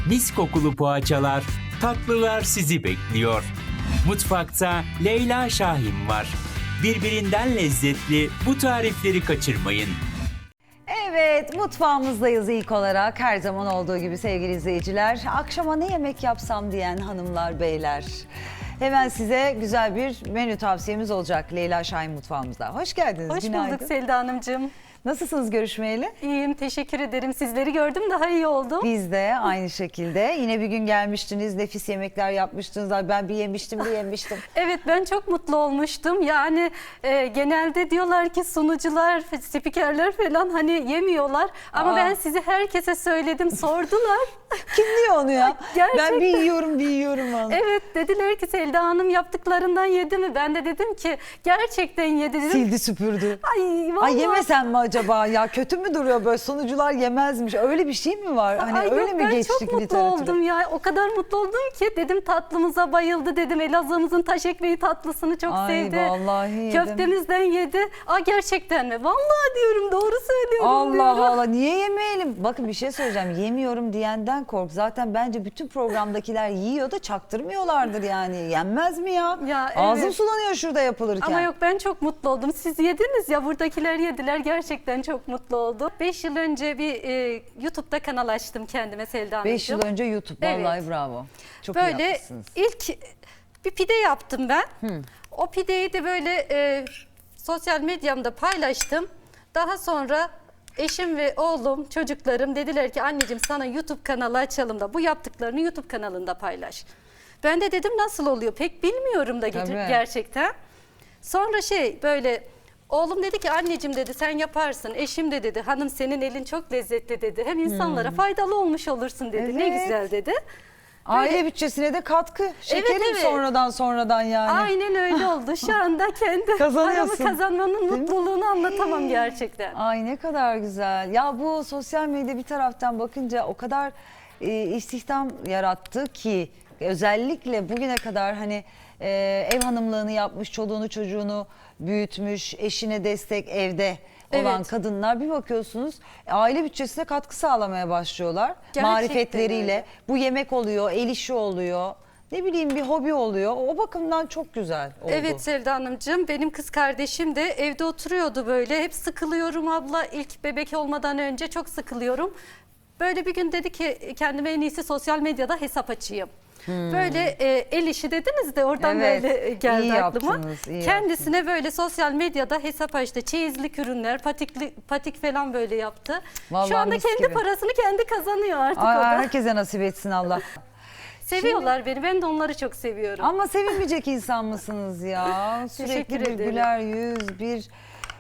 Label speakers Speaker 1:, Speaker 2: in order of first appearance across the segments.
Speaker 1: mis kokulu poğaçalar, tatlılar sizi bekliyor. Mutfakta Leyla Şahin var. Birbirinden lezzetli bu tarifleri kaçırmayın.
Speaker 2: Evet, mutfağımızdayız ilk olarak. Her zaman olduğu gibi sevgili izleyiciler. Akşama ne yemek yapsam diyen hanımlar, beyler. Hemen size güzel bir menü tavsiyemiz olacak Leyla Şahin mutfağımızda. Hoş geldiniz.
Speaker 3: Hoş
Speaker 2: Günaydın.
Speaker 3: bulduk Selda Hanımcığım.
Speaker 2: Nasılsınız görüşmeyeli?
Speaker 3: İyiyim, teşekkür ederim. Sizleri gördüm, daha iyi oldum.
Speaker 2: Biz de aynı şekilde. Yine bir gün gelmiştiniz, nefis yemekler yapmıştınız. Ay, ben bir yemiştim.
Speaker 3: Evet, ben çok mutlu olmuştum. Yani genelde diyorlar ki sunucular, spikerler falan hani yemiyorlar. Ama ben sizi herkese söyledim, sordular.
Speaker 2: Kim diyor onu ya?
Speaker 3: Gerçekten.
Speaker 2: Ben bir yiyorum onu.
Speaker 3: Evet, dediler ki Selda Hanım yaptıklarından yedi mi? Ben de dedim ki gerçekten yedi dedim.
Speaker 2: Sildi süpürdü.
Speaker 3: Ay vallahi.
Speaker 2: Ay yemesen mi acaba ya, kötü mü duruyor böyle, sunucular yemezmiş, öyle bir şey mi var? Hani
Speaker 3: Ay
Speaker 2: öyle
Speaker 3: yok,
Speaker 2: mi
Speaker 3: ben
Speaker 2: geçtik
Speaker 3: çok mutlu
Speaker 2: literatüre?
Speaker 3: oldum ya. O kadar mutlu oldum ki dedim tatlımıza bayıldı dedim. Elazığ'ımızın taş ekmeği tatlısını çok
Speaker 2: Ay,
Speaker 3: sevdi.
Speaker 2: vallahi yedim.
Speaker 3: Köftemizden yedi. Aa gerçekten mi? Vallahi diyorum, doğru söylüyorum
Speaker 2: Allah
Speaker 3: diyorum.
Speaker 2: Allah, niye yemeyelim? Bakın bir şey söyleyeceğim, yemiyorum diyenden kork. Zaten bence bütün programdakiler yiyor da çaktırmıyorlardır yani. Yenmez mi ya?
Speaker 3: Ya,
Speaker 2: Ağzım
Speaker 3: evet.
Speaker 2: sulanıyor şurada yapılırken.
Speaker 3: Ama yok, ben çok mutlu oldum. Siz yediniz ya, buradakiler yediler. Gerçekten çok mutlu oldum. 5 yıl önce bir YouTube'da kanal açtım kendime Selda Hanımcığım.
Speaker 2: 5 yıl önce YouTube. Vallahi
Speaker 3: Evet.
Speaker 2: bravo. Çok iyi
Speaker 3: Böyle
Speaker 2: yapmışsınız.
Speaker 3: ilk bir pide yaptım ben. O pideyi de böyle sosyal medyamda paylaştım. Daha sonra eşim ve oğlum, çocuklarım dediler ki anneciğim sana YouTube kanalı açalım da bu yaptıklarını YouTube kanalında paylaş. Ben de dedim nasıl oluyor pek bilmiyorum da
Speaker 2: Tabii.
Speaker 3: gerçekten. Sonra böyle oğlum dedi ki anneciğim dedi sen yaparsın. Eşim de dedi hanım senin elin çok lezzetli dedi. Hem insanlara faydalı olmuş olursun dedi. Ne
Speaker 2: Evet.
Speaker 3: güzel dedi.
Speaker 2: Aile bütçesine de katkı. Şekerim
Speaker 3: evet.
Speaker 2: sonradan yani.
Speaker 3: Aynen öyle oldu. Şu anda kendi
Speaker 2: Kazanıyorsun.
Speaker 3: paramı kazanmanın
Speaker 2: Değil mi?
Speaker 3: mutluluğunu anlatamam gerçekten.
Speaker 2: Ay ne kadar güzel. Ya bu sosyal medya bir taraftan bakınca o kadar istihdam yarattı ki, özellikle bugüne kadar hani ev hanımlığını yapmış, çoluğunu çocuğunu büyütmüş, eşine destek evde olan
Speaker 3: Evet.
Speaker 2: kadınlar bir bakıyorsunuz aile bütçesine katkı sağlamaya başlıyorlar.
Speaker 3: Gerçekten
Speaker 2: Marifetleriyle.
Speaker 3: öyle.
Speaker 2: Bu yemek oluyor, el işi oluyor. Ne bileyim bir hobi oluyor. O bakımdan çok güzel oldu.
Speaker 3: Evet Sevda Hanımcığım, benim kız kardeşim de evde oturuyordu böyle. Hep sıkılıyorum abla, ilk bebek olmadan önce çok sıkılıyorum. Bir gün dedi ki kendime en iyisi sosyal medyada hesap açayım. Böyle el işi dediniz de oradan
Speaker 2: Evet,
Speaker 3: böyle geldi
Speaker 2: iyi
Speaker 3: aklıma.
Speaker 2: yaptınız, iyi
Speaker 3: Kendisine böyle sosyal medyada hesap açtı. Çeyizlik ürünler, patik falan böyle yaptı.
Speaker 2: Vallahi
Speaker 3: Şu anda
Speaker 2: mis
Speaker 3: kendi
Speaker 2: gibi.
Speaker 3: parasını kendi kazanıyor artık
Speaker 2: Ay,
Speaker 3: o da.
Speaker 2: herkese nasip etsin Allah.
Speaker 3: Seviyorlar beni, ben de onları çok seviyorum.
Speaker 2: Ama sevinmeyecek insan mısınız ya? Sürekli
Speaker 3: Teşekkür
Speaker 2: bir
Speaker 3: ederim.
Speaker 2: güler yüz, bir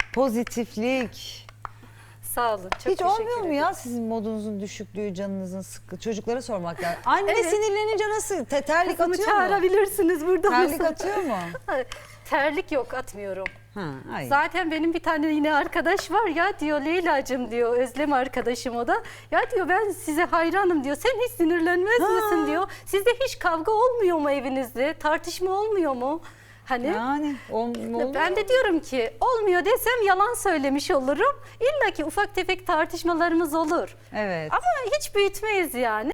Speaker 2: pozitiflik.
Speaker 3: Sağ olun, çok
Speaker 2: Hiç
Speaker 3: teşekkür
Speaker 2: olmuyor mu
Speaker 3: ederim.
Speaker 2: ya sizin modunuzun düşüklüğü, canınızın sıkkı? Çocuklara sormak lazım. Anne
Speaker 3: Evet.
Speaker 2: sinirlenince nasıl? Terlik
Speaker 3: Kızımı
Speaker 2: atıyor mu?
Speaker 3: çağırabilirsiniz burada
Speaker 2: Terlik
Speaker 3: mısın?
Speaker 2: atıyor mu?
Speaker 3: Terlik yok, atmıyorum.
Speaker 2: Ha, ay.
Speaker 3: Zaten benim bir tane yine arkadaş var ya diyor, Leyla'cığım diyor, Özlem arkadaşım o da. Ya diyor ben size hayranım diyor, sen hiç sinirlenmez misin diyor. Sizde hiç kavga olmuyor mu evinizde, tartışma olmuyor mu? Hani
Speaker 2: Yani olmuyor.
Speaker 3: ben de diyorum ki olmuyor desem yalan söylemiş olurum. İlla ki ufak tefek tartışmalarımız olur.
Speaker 2: Evet.
Speaker 3: Ama hiç büyütmeyiz yani.